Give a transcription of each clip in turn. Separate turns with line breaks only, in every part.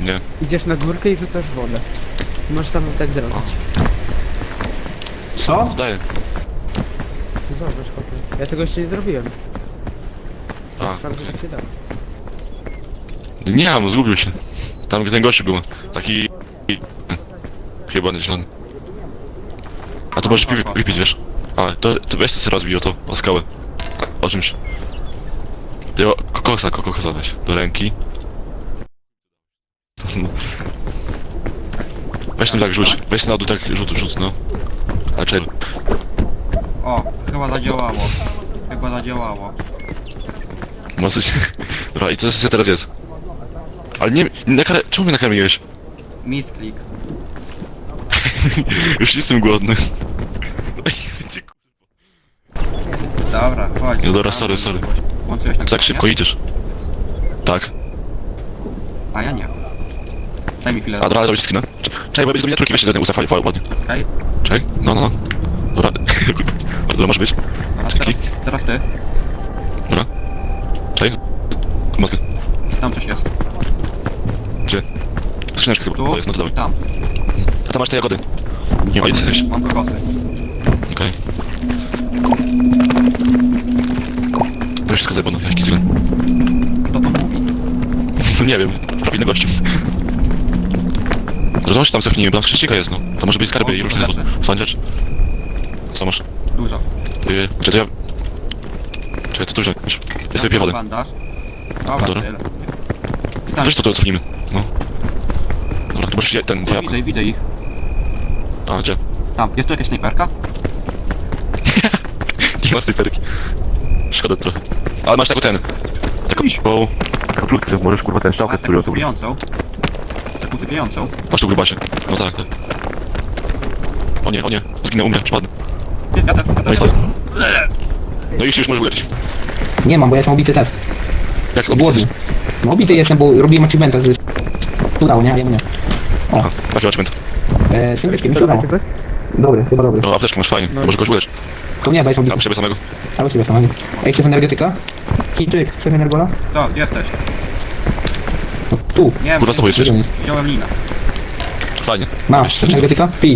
Nie.
Idziesz na górkę i rzucasz wodę. Możesz sam tak zrobić.
Co?
Daję.
To zobacz, chłopie. Ja tego jeszcze nie zrobiłem.
A,
Sprawdzę, jak się da.
nie mam, zgubił się. Tam ten gościu był. Taki... Chyba niezielony. A to możesz pić, wiesz? A, to weź sobie rozbij o to, o skałę. O czymś. Ty kokosa weź do ręki. Weź tym tak rzuć, weź na dół tak rzut, no. A czekaj.
O, chyba zadziałało. Chyba zadziałało.
Masyć. Dobra, i to sobie teraz jest. Ale nie, czemu mnie nakarmiłeś?
Misklik.
Już jestem głodny.
Dobra, chodź.
No dobra, sorry.
Włączyłeś tak
Tak szybko idziesz. Tak.
A ja nie. Daj mi chwilę.
A dobra, robić skina. Czekaj, bo będzie do miniaturki, weź się do tego ustaw, ładnie.
Okej.
Czekaj, no. Dobra. Dobra, może być.
Dobra,
Dzięki.
teraz ty.
Dobra. Czekaj. Matkę.
Tam coś jest.
Gdzie? Skrzyneczka chyba,
Tu
to jest, no to dawaj.
i tam.
A tam masz te jagody. Nie, o, jesteś.
Mam kokosy.
Okej. No wszystko zjebano, jaki zgon.
Kto to mówi?
No nie wiem, prawilny gościu. Zobacz, tam cofnijmy, bo tam skrzynka jest, no. To może być skarby i różne
rzeczy.
fajne rzeczy. Co masz?
Dużo.
Czy to ja... Czekaj, co tu wziąć? Ja sobie piję wodę.
Bandaż.
Dobra.
Dobra, tyle. I tam.
Wiesz co, to cofnijmy. No. Dobra, to możesz ten diabł.
Widzę ich.
A, gdzie?
Tam. Jest tu jakaś snajperka?
Nie ma snajperki. Szkoda trochę. Ale masz taką ten. Taką... O... Taką klutkę, możesz kurwa ten
A, taką usypiającą. Taką usypiającą.
Masz tu grubasie. No tak. O nie. Zginę, umrę, przepadnę.
Ja też.
No i spadł. No i już możesz uleczyć.
Nie mam, bo ja jestem obity też.
Jak
Głodny.
obiecać?
No obity jestem, bo robiłem achievementa, że... Udało, nie? A jemu nie.
Aha, jaki achievement?
Tym mi się udało. Dobry, chyba dobry.
No, apteczkę masz fajnie. Może kogoś ulecz.
To nie, bo jestem
Tam
obity.
siebie samego.
Albo siebie samego. Ej, szef energetyka? Chińczyk, szef energola?
Co? Gdzie jesteś?
No, tu.
Nie,
Kurwa, z tobą jesteś?
wziąłem linę.
Fajnie.
Masz, szef energetyka? Pij.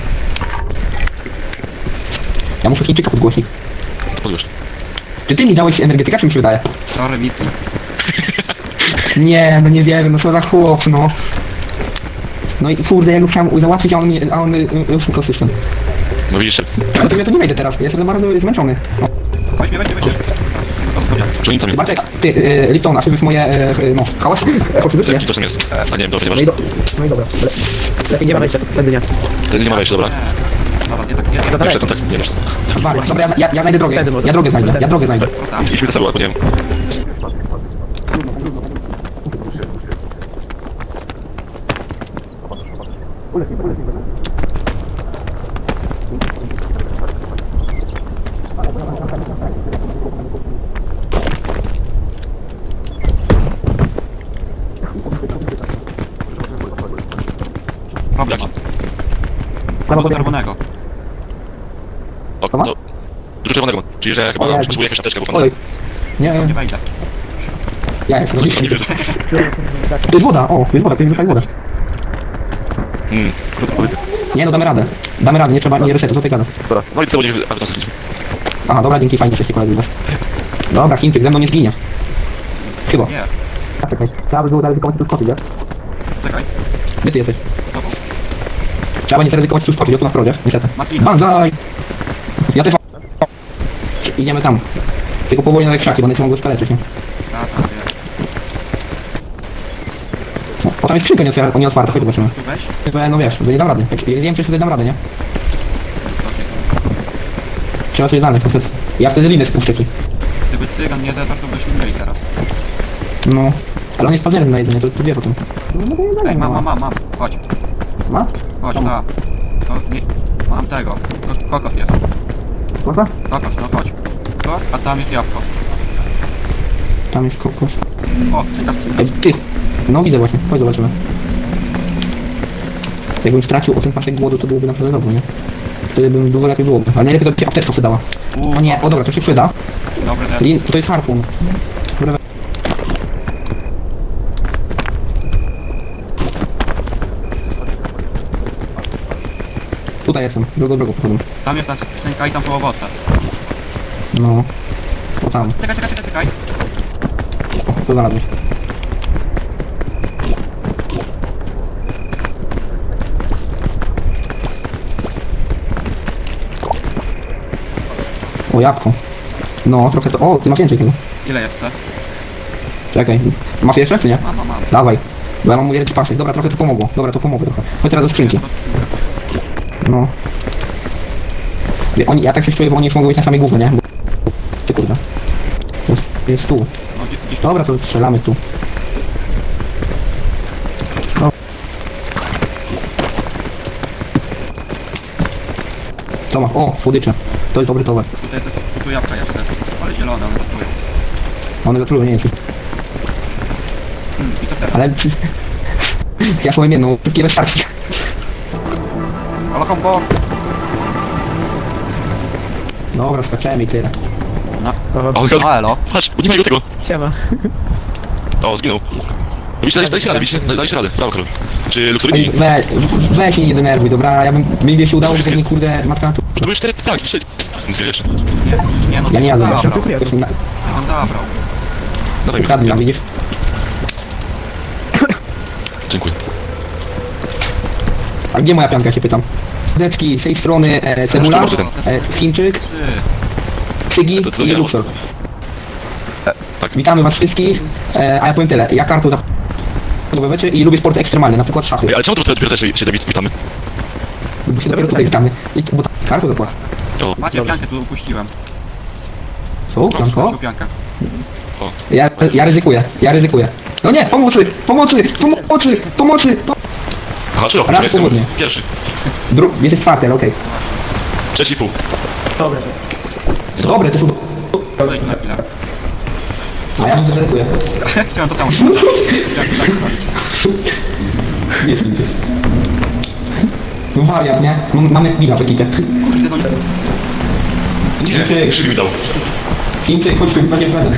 Ja muszę Chińczyka podgłośnić.
Podłóż.
Czy ty mi dałeś energetyka, czy mi się wydaje?
Sorry, Miki.
Nie, no nie wierzę, no co za chłop, no. No i kurde, ja go chciałem załatwić, a on już tylko system.
No widzisz,
Ale to ja to nie wejdę teraz, jestem za bardzo zmęczony. No.
Weź mnie.
czy oni tam nie...
Bartek, ty, Lipton, a jest moje, no, hałas? Oczywiście.
Jaki to czym jest? A nie wiem, dobra, nie
No
masz.
i, no i dobra. Lepiej nie ma wejścia, wtedy nie.
Ten nie ma wejścia, dobra.
Dobra, nie tak, nie
Nie wszedł, tak, nie wiesz.
Dobra, ja znajdę drogę, ja drogę znajdę.
tam.
Idźmy do tyłu, albo nie wiem.
Problem.
Jaki?
Albo czerwonego.
O, to... Dużo czerwonego. Czyli, że chyba potrzebuję jakąś apteczkę, bo
Oj. Nie,
Nie
nie,
wejdę.
ja jestem.
coś tam nie wiesz.
To jest woda, o, to jest woda, to jest zwykła woda. Nie no, damy radę, nie trzeba, nie resetu, co ty gadasz?
Dobra, no i to będzie... Ale to jest...
Aha, dobra, dzięki, fajnie, że koledzy. Dobra, Chińczyk, ze mną nie zginie. Chyba.
Nie.
Czekaj, trzeba by było zaryzykować tu skoczyć, wiesz?
Czekaj.
Gdzie ty jesteś?
Dobra.
Trzeba będzie zaryzykować tu skoczyć, ja tu na wprodzie, niestety.
Maslina.
Banzaj! Ja też mam. Idziemy tam. Tylko powoli na te krzaki, bo one cię mogą skaleczyć, nie?
Tak, wiem.
No, bo tam jest skrzynka nie otwarta, chodź zobaczymy.
Tu weź.
No wiesz, nie dam rady. Ja wiem, czy wtedy dam radę, nie? Trzeba coś znaleźć, niestety. Ja wtedy linę spuszczę ci.
Gdyby cygan nie zetarł, to byśmy byli teraz.
No. Ale on jest pazerny na jedzenie, to wie potem. No to
Ej, mam. Chodź.
Ma?
Chodź,
Tam.
ta. To nie... Mam tego. Kokos jest.
Kosa?
Kokos, no chodź. To, a tam jest jabłko.
Tam jest kokos.
O, skrzynka.
Ej, ty! No widzę właśnie, chodź zobaczymy. Jakbym stracił o ten pasek głodu, to byłoby naprawdę dobrze, nie? Wtedy bym dużo lepiej było. Ale najlepiej to by się apteczka przydała. O nie, o dobra, to się przyda.
Dobry ten.
To jest harpun. Dobra. tutaj jestem, drugą pochodzą.
Tam jest ta skrzynka i tam po owoce.
No. O tam,
Czekaj.
co znalazłeś? O, jabłko. No, trochę to... O, ty masz więcej tego.
Ile jeszcze?
Czekaj. Masz jeszcze, czy nie?
Mam.
Dawaj. Bo ja mam wielki pasek. Dobra, trochę to pomogło. Dobra, to pomogło trochę. Chodź teraz do skrzynki.
To skrzynka.
No. Ja tak się czuję, bo oni już mogą być na samej górze, nie? Bo... Ty kurde. Jest tu.
No, gdzieś tu.
Dobra, to strzelamy tu. No. Co masz? O, słodycze. To jest dobry towar.
Tutaj jest tu jabłka jeszcze. Ale zielone, one tu.
One zatrują, nie wiem czy...
I to teraz.
Ale... Ja powiem jedną, szybkie wystarczy.
Ale kombo!
Dobra, skaczemy i tyle.
No.
O,
No elo.
patrz, nie ma go tego.
Siema.
O, zginął. Widzicie, dajcie radę, widzicie? Dajcie radę. Brawo, Karol. Czy Luxory
Ej, weź się nie denerwuj, dobra? Ja bym... Mi się udało, żeby nie kurde matka na tu.
To były 4 tanki, 4... Dwie jeszcze.
Nie no,
Ja nie jadę,
zabrał.
jeszcze.
Dziękuję.
On zabrał.
Dawaj mi.
Ukradli nam, widzisz?
Dziękuję.
A gdzie moja pianka, się pytam? Deczki, z tej strony cebula,
może ten.
Chińczyk,
Ty.
Krzygi
To
i
ja.
Luxor.
Tak.
Witamy was wszystkich, a ja powiem tyle, ja kartu za rzeczy i lubię sporty ekstremalne, na przykład szachy.
Ej, ale czemu to dopiero też się David witamy?
Bo się dopiero tutaj witamy. Bo kartu zapłacę.
O,
Macie piankę, tu upuściłem.
Co? Pianko?
Macie piankę.
Ja ryzykuję. No nie, pomocy!
aha, czy
Raz
ja jestem
powodnie.
pierwszy.
Jesteś czwarty, ale okej.
Trzeci i pół.
Dobre, to są...
Podejdź na chwilę.
A ja ryzykuję.
Chciałem to samo.
No wariat, nie? Mamy chwila w ekipie.
Kurde, no nie.
Nie, Krzyk mi dał.
Chińczyk, chodź tu, będzie wtedy.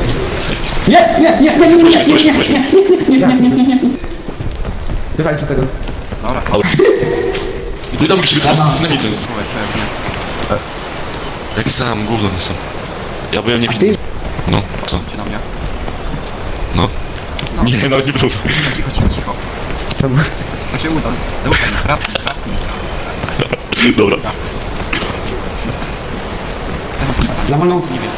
Nie. Wywalić tego.
Dobra,
No i dał mi Krzyk
Dobra.
na widzę.
pewnie.
Jak sam, gówno nie sam. Ja byłem nie
Ty?
winny. No, co?
Czy na mnie?
No. Nie, nawet nie było.
Cicho.
Co?
To się uda. Raz.
Dobra.
Za wolną
Nie wiem.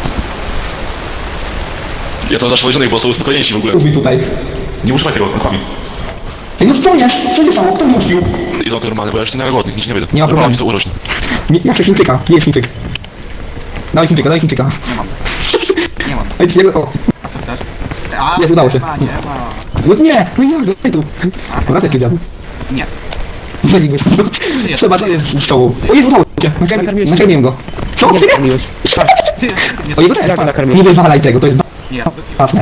Ja tam zaszłodzionych, bo są spokojniejsi w ogóle.
mi tutaj.
Nie używaj tego, rękami.
Ej, no co jest? Co się stało? Kto muścił?
I to normalne, bo ja jeszcze nie głodny, nic nie będę.
Nie ma problemu.
Mi to urośnie.
Nie, ja chcę Chińczyka. Gdzie jest Chińczyk? Daj Chińczyka.
Nie mam. Nie mam.
Ej, nie, o.
A co chcesz? A,
Jest, udało się.
Nie ma.
No nie, no jak, daj tu. Dobra, ty dziadu.
Nie.
Zaliłeś. Trzeba, to jest z czołą. O Jezu, udało się. Nakarmiłem go. Co?
Nie karmiłeś.
Ty. Nie,
O jego też,
Jak
patrz.
nakarmiłeś?
Nie wywalaj tego, to jest
nie.
ważne.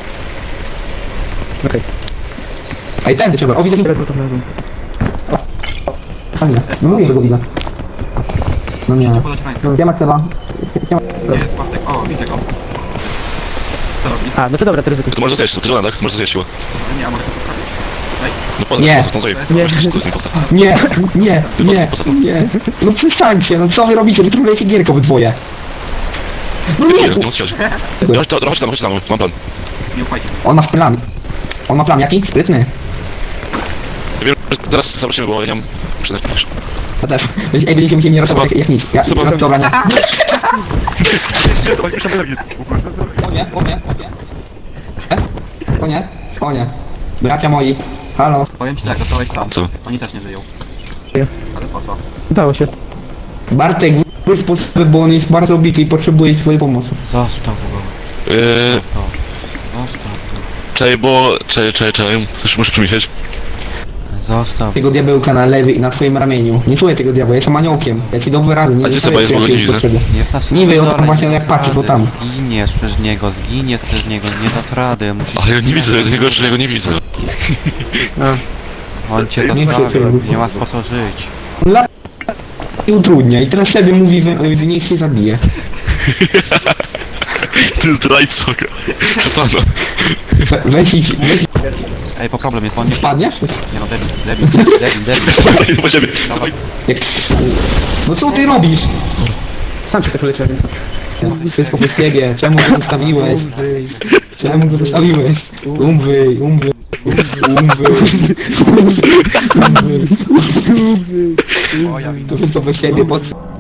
Okej.
Ej, tędy trzeba. O, widzę, że...
Dobra, to znalazłem.
Fajnie. No mówię, że go widzę. No nie.
Podać rękę.
Gdzie masz chyba?
Nie jest Bartek. O, widzę go. Co robi?
A, no to dobra, to ryzykuj.
To może zjeść, to żona, tak? To może zjeść siła.
Nie, a może to poprawić?
No podaj,
Nie.
to tutaj.
Nie.
Właśnie, to jest imposta.
Nie. No przestańcie, no co wy robicie? Wy trudniejcie gierkę obydwoje. No
Nie,
nie,
nie musisz. Chodź tam, mam plan.
Nie ufajcie.
on ma plan. On ma plan jaki? Sprytny.
Ja wiem, że zaraz zobaczymy, bo ja nie mam przynajmniej.
To też. Ej, będziecie musieli mnie ratować jak nic. Ja,
Zobacz.
dobra, nie. O nie. Bracia moi. Halo.
Powiem ci tak, zostałeś sam.
Co?
Oni też nie żyją.
Nie.
Ale po co?
Udało się.
Bartek, wróć po sobie, bo on jest bardzo bity i potrzebuje twojej pomocy.
Zostaw go. Zostaw go.
Czekaj, bo... Czekaj. Coś muszę przemyśleć.
Zostaw.
Tego diabełka na lewy i na twoim ramieniu. Nie słuchaj tego diabła, jestem aniołkiem. Ja ci dam wyrazy, nie
A gdzie
zostawię
Seba jest, bo go nie
jakiejś
widzę.
potrzeby.
Jest na samym
Niby, o tam
dole,
właśnie
nie
jak
dasz
patrzysz, bo
rady.
tam.
Zginiesz przez niego, nie dasz rady, musisz...
Ale ja nie widzę, tego że ja go nie widzę.
On cię
Nie ma się
zostawił,
czego.
nie masz po co żyć.
La... I utrudnia i teraz sobie mówi, że niech się zabije.
Ty zdrajco. Szatana.
Weź.
Ej,
Ej, po problem jest, bo on nie...
Spadniesz?
Nie no, debil.
Słuchaj, po ciebie.
Jak... No co ty robisz?
Sam się też uleciał, więc...
Wszystko po siebie, czemu go zostawiłeś? Czemu go zostawiłeś? Umrzyj.
O, ja widzę.
To wszystko po siebie, po co?